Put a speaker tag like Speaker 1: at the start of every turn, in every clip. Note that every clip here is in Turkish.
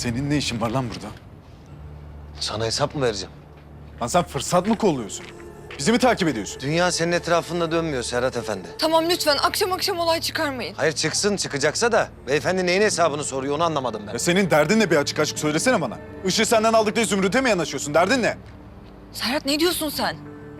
Speaker 1: Senin ne işin var lan burada?
Speaker 2: Sana hesap mı vereceğim?
Speaker 1: Lan sen fırsat mı kolluyorsun? Bizi mi takip ediyorsun?
Speaker 2: Dünya senin etrafında dönmüyor Serhat Efendi.
Speaker 3: Tamam lütfen akşam akşam olay çıkarmayın.
Speaker 2: Hayır çıksın çıkacaksa da beyefendi neyin hesabını soruyor onu anlamadım ben.
Speaker 1: Ya senin derdin ne, bir açık açık söylesene bana. Işığı senden aldık diye Zümrüt'e mi yanaşıyorsun? Derdin ne?
Speaker 3: Serhat ne diyorsun sen?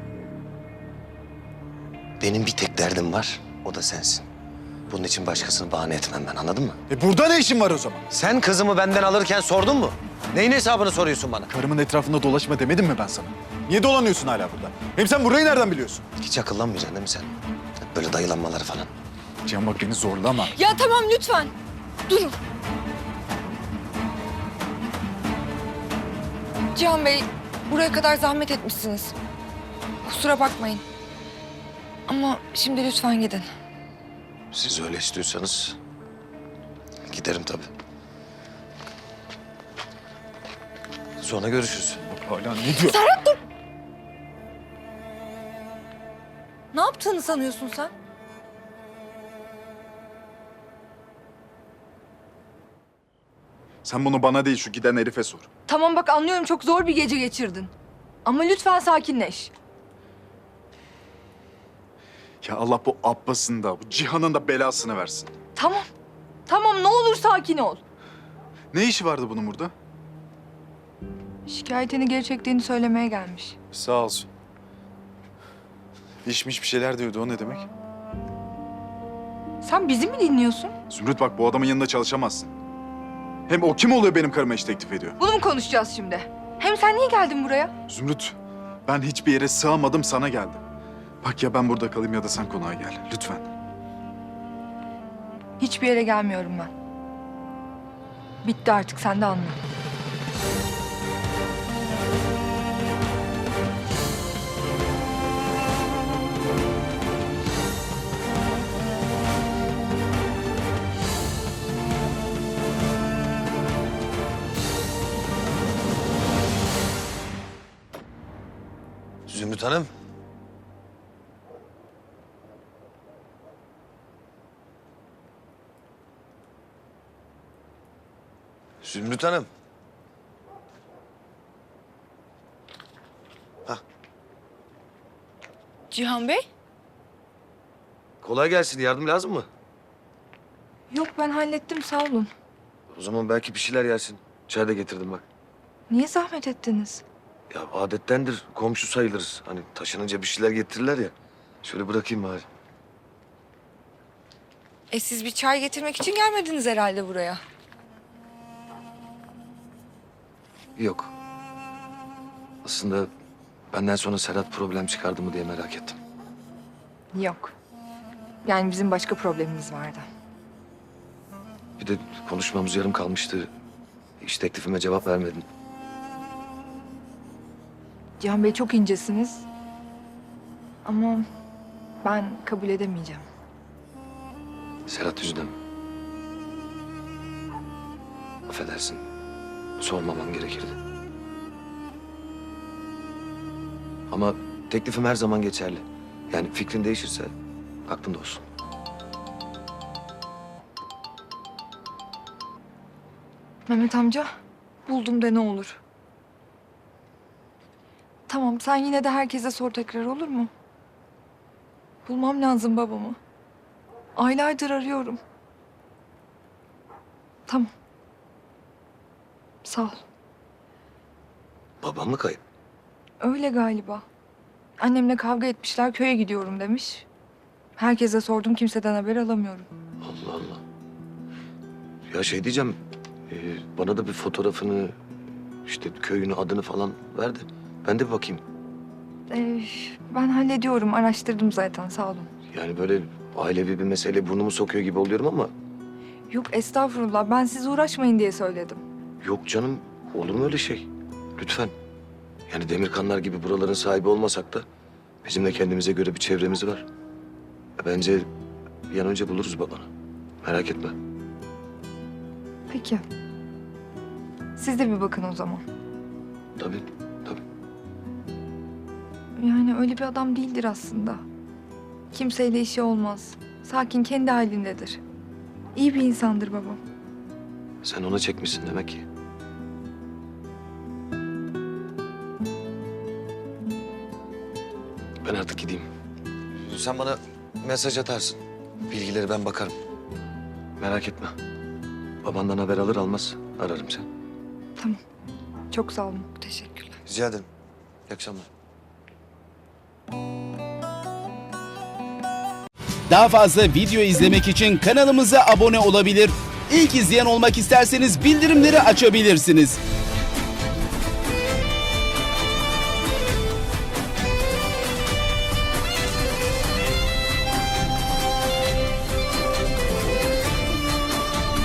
Speaker 2: Benim bir tek derdim var, o da sensin. Bunun için başkasını bahane etmem ben, anladın mı?
Speaker 1: Burada ne işin var o zaman?
Speaker 2: Sen kızımı benden alırken sordun mu? Neyin hesabını soruyorsun bana?
Speaker 1: Karımın etrafında dolaşma demedim mi ben sana? Niye dolanıyorsun hala burada? Hem sen burayı nereden biliyorsun?
Speaker 2: Hiç akıllanmayacaksın değil mi sen? Hep böyle dayılanmaları falan.
Speaker 1: Cihan bak beni zorlama.
Speaker 3: Ya tamam lütfen. Durun. Cihan Bey, buraya kadar zahmet etmişsiniz. Kusura bakmayın. Ama şimdi lütfen gidin.
Speaker 2: Siz öyle istiyorsanız giderim tabii. Sonra görüşürüz.
Speaker 1: Bak hala ne diyor?
Speaker 3: Serhat dur! Ne yaptığını sanıyorsun sen?
Speaker 1: Sen bunu bana değil şu giden herife sor.
Speaker 4: Tamam bak anlıyorum çok zor bir gece geçirdin. Ama lütfen sakinleş.
Speaker 1: Ya Allah bu Abbas'ın da bu Cihan'ın da belasını versin.
Speaker 4: Tamam. Tamam ne olur sakin ol.
Speaker 1: Ne işi vardı bunun burada?
Speaker 4: Şikayetini geri çektiğini söylemeye gelmiş.
Speaker 1: Sağ olsun. İşmiş bir şeyler diyordu, o ne demek?
Speaker 4: Sen bizi mi dinliyorsun?
Speaker 1: Zümrüt bak bu adamın yanında çalışamazsın. Hem o kim oluyor benim karıma iş teklif ediyor?
Speaker 4: Bunu mu konuşacağız şimdi? Hem sen niye geldin buraya?
Speaker 1: Zümrüt, ben hiçbir yere sığamadım, sana geldim. Bak ya ben burada kalayım ya da sen konağa gel, lütfen.
Speaker 4: Hiçbir yere gelmiyorum ben. Bitti artık sen de anla.
Speaker 2: Zümrüt Hanım. Zümrüt Hanım.
Speaker 3: Cihan Bey?
Speaker 2: Kolay gelsin. Yardım lazım mı?
Speaker 4: Yok ben hallettim sağ olun.
Speaker 2: O zaman belki bir şeyler yersin. Çay da getirdim bak.
Speaker 4: Niye zahmet ettiniz?
Speaker 2: Ya adettendir. Komşu sayılırız. Hani taşınınca bir şeyler getirirler ya. Şöyle bırakayım bari.
Speaker 3: Siz bir çay getirmek için gelmediniz herhalde buraya.
Speaker 2: Yok. Aslında benden sonra Serhat problem çıkardı mı diye merak ettim.
Speaker 4: Yok. Yani bizim başka problemimiz vardı.
Speaker 2: Bir de konuşmamız yarım kalmıştı. İş teklifime cevap vermedin.
Speaker 4: Cihan Bey çok incesiniz. Ama ben kabul edemeyeceğim.
Speaker 2: Serhat yüzünden mi? Affedersin. Sormamam gerekirdi. Ama teklifim her zaman geçerli. Yani fikrin değişirse aklında olsun.
Speaker 4: Mehmet amca, buldum de ne olur. Tamam, sen yine de herkese sor tekrar olur mu? Bulmam lazım babamı. Aylardır arıyorum. Tamam. Sağ ol.
Speaker 2: Babam mı kayıp?
Speaker 4: Öyle galiba. Annemle kavga etmişler, köye gidiyorum demiş. Herkese sordum, kimseden haber alamıyorum.
Speaker 2: Allah Allah. Ya şey diyeceğim. Bana da bir fotoğrafını, işte köyünü, adını falan ver de ben de bir bakayım.
Speaker 4: Ben hallediyorum, araştırdım zaten, sağ olun.
Speaker 2: Yani böyle ailevi bir mesele burnumu sokuyor gibi oluyorum ama
Speaker 4: Yok estağfurullah, ben siz uğraşmayın diye söyledim.
Speaker 2: yok canım. Olur mu öyle şey? Lütfen. Yani Demirkanlar gibi buraların sahibi olmasak da bizim de kendimize göre bir çevremiz var. Bence bir an önce buluruz babanı. Merak etme.
Speaker 4: Peki. Siz de bir bakın o zaman.
Speaker 2: Tabii, tabii.
Speaker 4: Yani öyle bir adam değildir aslında. Kimseyle işi olmaz. Sakin, kendi halindedir. İyi bir insandır babam.
Speaker 2: Sen ona çekmişsin demek ki. Ben artık gideyim. Sen bana mesaj atarsın. Bilgileri ben bakarım. Merak etme. Babandan haber alır almaz ararım seni.
Speaker 4: Tamam. Çok sağ olun.
Speaker 3: Teşekkürler.
Speaker 2: Rica ederim. İyi akşamlar.
Speaker 5: Daha fazla video izlemek için kanalımıza abone olabilir. İlk izleyen olmak isterseniz bildirimleri açabilirsiniz.